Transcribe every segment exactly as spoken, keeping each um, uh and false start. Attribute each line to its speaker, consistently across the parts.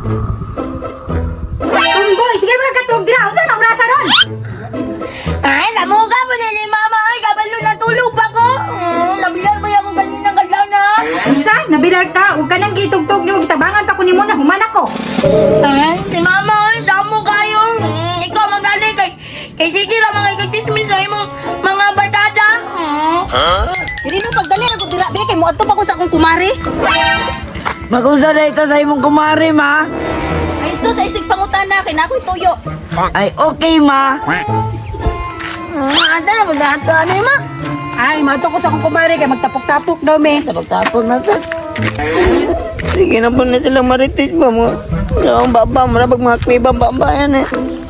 Speaker 1: Tumboy, sige mga katog dira. Unsa na urasa ron?
Speaker 2: Ay, namuga mo din ni mama. Ay, kabalo na tulog pa ko. Hmm, nabilar ba ako kanina kadlaw na?
Speaker 1: Unsa? Nabilar ka? Huwag ka nang gitugtog nimo gitabangan pa ko nimo na human ako.
Speaker 2: Ay, si mama, ay, damo kayo. Hmm, ikaw magaling kay... Kay sige lang mga ikatismis sa imong mga barkada. Hmm.
Speaker 1: Dili no pagdali ako dira be kay mo adto pa ko sa akong kumari.
Speaker 3: Mag-usa na ito sa imong kumari, ma.
Speaker 1: Ay sus, sa isig pangutana kay nakoy tuyo.
Speaker 3: Ay, okay, ma.
Speaker 2: Hmm, ate, mag-ato ano yung ma?
Speaker 1: Ay, mato ko sa akong kumari kay magtapok-tapok daw me.
Speaker 2: Tapos na sa... Sige na po na silang maritis ba mo? Wala akong baba, marabag mga kwibang baba yan eh.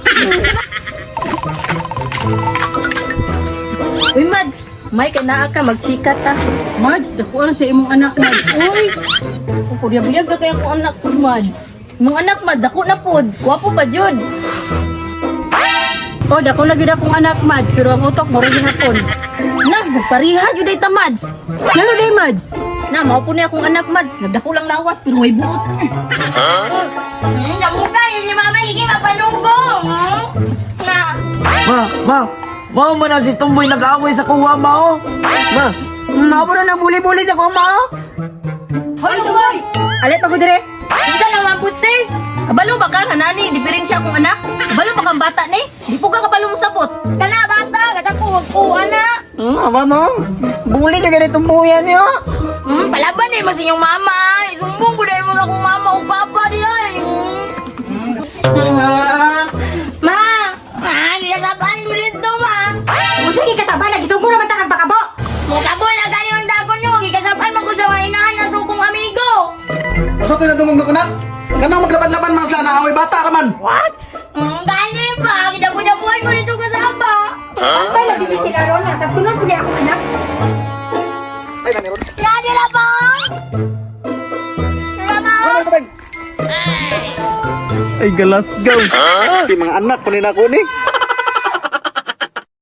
Speaker 1: Uy, Mads, may kay naa ka magchika ta. Mads, dako na sa imong anak, Mads. Uy, kuryab-yab na kaya akong anak po, Mads. Imong anak, Mads, dako na po. Guwapo pa, Jud. Oh, dako na gid akong anak, Mads, pero ang utok mo rin hapon. Nah, nagpariha jud day ta, Mads. Lalo day, Mads. Na, mao po niya akong anak, Mads. Nagdako lang lawas pero way buot.
Speaker 2: Hmm, namuga yun si mama, hindi mapanunggo. Hmm? Na.
Speaker 3: Ma, ma. Ma, mo na si Tumboy nag-aaway sa kuwa, ma, oh. Ma.
Speaker 2: Nabo na nabuli-buli sa kuma.
Speaker 1: Hoy, Tumoy! Alit pa ko dire. Unsa lang mabuti? Kabalo ba ka kanani? Diferensya akong anak. Kabalo ba kang bata ni? Di po ka kabalo mo sabot.
Speaker 2: Kana bata, kata ko wag ko ana.
Speaker 3: Hmm, aba mo? Buli ka ganitong buyan niyo.
Speaker 2: Hmm, palaban eh mo sa inyong mama. Isumbong ko dahil mo sa akong mama o papa di ay. Hmm. Ma, ah, nilasapan ko dito ma.
Speaker 1: Unsa gi kasaba nagisuguro man ta kag bakabo?
Speaker 2: Mukabo na gani ang dagon nyo. Ikasapan mo ko sa wainahan na to kong amigo.
Speaker 4: Basta ito na dumog na kunak. Ganang maglaban-laban mga sila na away bata raman.
Speaker 2: What? Hmm, gani pa. Kidabudabuhan mo dito kasama.
Speaker 1: Ang pala di sila ron nga sa tunon ko ni akong anak.
Speaker 4: Ay, gani ron.
Speaker 2: Gani na po. Mama.
Speaker 4: Ano ito, Beng? Ay, galas gaw. Di mga anak, kunin ako ni.